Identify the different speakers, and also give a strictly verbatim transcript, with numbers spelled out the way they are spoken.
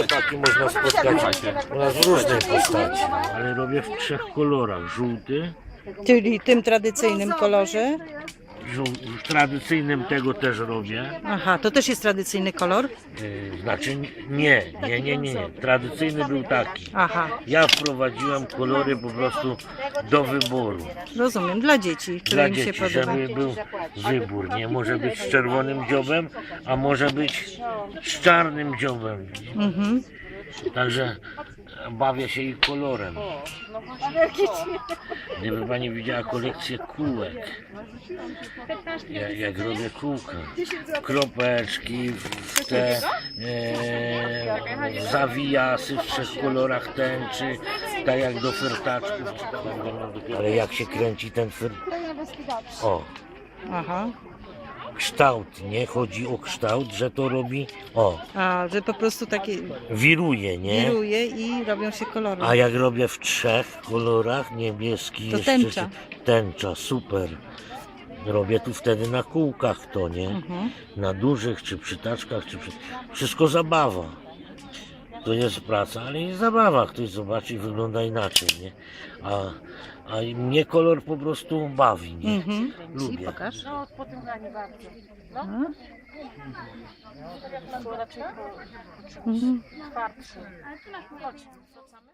Speaker 1: rzepaki można spotkać u nas w różnej postaci.
Speaker 2: Ale robię w trzech kolorach. Żółty,
Speaker 3: Czyli tym tradycyjnym kolorze.
Speaker 2: żół, w tradycyjnym tego też robię.
Speaker 3: Aha, to też jest tradycyjny kolor?
Speaker 2: Yy, znaczy nie, nie, nie, nie, nie. Tradycyjny był taki.
Speaker 3: Aha,
Speaker 2: Ja wprowadziłem kolory po prostu do wyboru.
Speaker 3: rozumiem, dla dzieci, które
Speaker 2: Dla
Speaker 3: im się
Speaker 2: dzieci,
Speaker 3: podoba.
Speaker 2: żeby był wybór. Nie może być z czerwonym dziobem, a może być z czarnym dziobem.
Speaker 3: Mhm.
Speaker 2: Także bawię się ich kolorem. Gdyby pani widziała kolekcję kółek, jak, jak robię kółka, kropeczki, w te e, zawijasy w trzech kolorach tęczy, tak jak do fertaczków. Ale jak się kręci ten fer... O,
Speaker 3: Aha,
Speaker 2: kształt, nie? Chodzi o kształt, że to robi, o,
Speaker 3: a że po prostu takie
Speaker 2: wiruje, nie?
Speaker 3: wiruje i robią się kolory.
Speaker 2: A jak robię w trzech kolorach, niebieski,
Speaker 3: To
Speaker 2: jeszcze
Speaker 3: tęcza.
Speaker 2: się- tęcza, super. Robię tu wtedy na kółkach to, nie?
Speaker 3: Mhm.
Speaker 2: Na dużych, czy przytaczkach, czy przy... wszystko zabawa. To jest praca, ale jest zabawa. Ktoś zobaczy i wygląda inaczej, nie? A, a mnie kolor po prostu bawi, nie?
Speaker 3: Mhm.
Speaker 2: Lubię.
Speaker 3: Pokaż.
Speaker 4: No, po tym graniu bardzo. No,
Speaker 3: A?
Speaker 4: to raczej po
Speaker 3: Mhm.
Speaker 4: twardszy. Chodź, wracamy.